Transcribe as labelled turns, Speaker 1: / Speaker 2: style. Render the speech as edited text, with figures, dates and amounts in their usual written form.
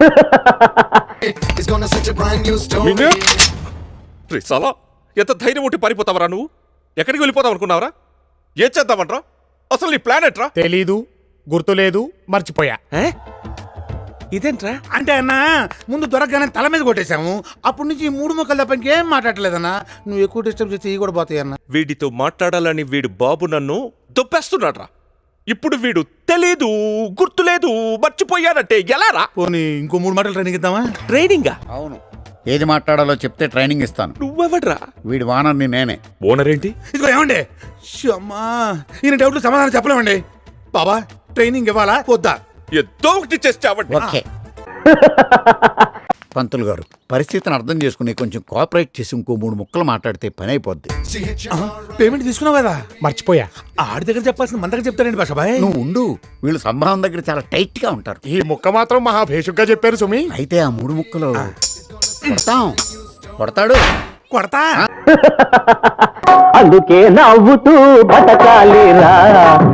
Speaker 1: సాలా ఎంత ధైర్యం ఉంటే పారిపోతావరా నువ్వు? ఎక్కడికి వెళ్ళిపోతావు అనుకున్నావరా? ఏం చేద్దామంట్రా? అసలు నీ ప్లాన్ ఎట్రా?
Speaker 2: తెలీదు, గుర్తులేదు, మర్చిపోయా.
Speaker 1: ఇదేంట్రా?
Speaker 2: అంటే అన్నా ముందు దొరకగానే తల మీద కొట్టేశాము. అప్పటి నుంచి 3 ముక్కలు తప్ప ఇంకేం మాట్లాడలేదన్నా. నువ్వు ఎక్కువ డిస్టర్బ్ చేస్తే కూడా పోతాయి అన్న.
Speaker 1: వీడితో మాట్లాడాలని వీడు బాబు నన్ను దొప్పేస్తున్నాడ్రా. ఇప్పుడు వీడు తెలీదు, గుర్తులేదు, మర్చిపోయానంటే ఎలారా?
Speaker 2: పోనీ ఇంకో 3 మాటలు ట్రైనింగ్ ఇద్దామా?
Speaker 1: ట్రైనింగా?
Speaker 3: అవును, ఏది మాట్లాడాలో చెప్తే ట్రైనింగ్ ఇస్తాను.
Speaker 1: నువ్వెవడ్రా?
Speaker 3: వీడి వానర్ని నేనే.
Speaker 1: ఓనర్ ఏంటి?
Speaker 2: ఇదిగో ఏమండి, అమ్మా ఈయన డౌట్లు సమాధానం చెప్పలేమండి. బాబా ట్రైనింగ్ ఇవ్వాలా వద్దా?
Speaker 1: ఏదో ఒకటి చేస్తావండి.
Speaker 3: ఓకే పంతులు గారు, పరిస్థితిని అర్థం చేసుకుని కొంచెం కోఆపరేట్ చేసి ఇంకో 3 ముక్కలు మాట్లాడితే పని అయిపోద్ది.
Speaker 2: పేమెంట్ తీసుకున్నావు కదా? మర్చిపోయా. ఆడి దగ్గర చెప్పాల్సిన మన దగ్గర చెప్తానండి బాషాబాయ్.
Speaker 3: నువ్వు ఉండు, వీళ్ళు సంభావం దగ్గర చాలా టైట్ గా ఉంటారు.
Speaker 2: ఈ ముక్క మాత్రం మహా భేషుగ్గా చెప్పారు సుమి.
Speaker 3: అయితే ఆ 3 ముక్కలు కొడతాడు.
Speaker 2: కొడతా.
Speaker 4: అందుకే నవ్వుతూ బతకాలిరా.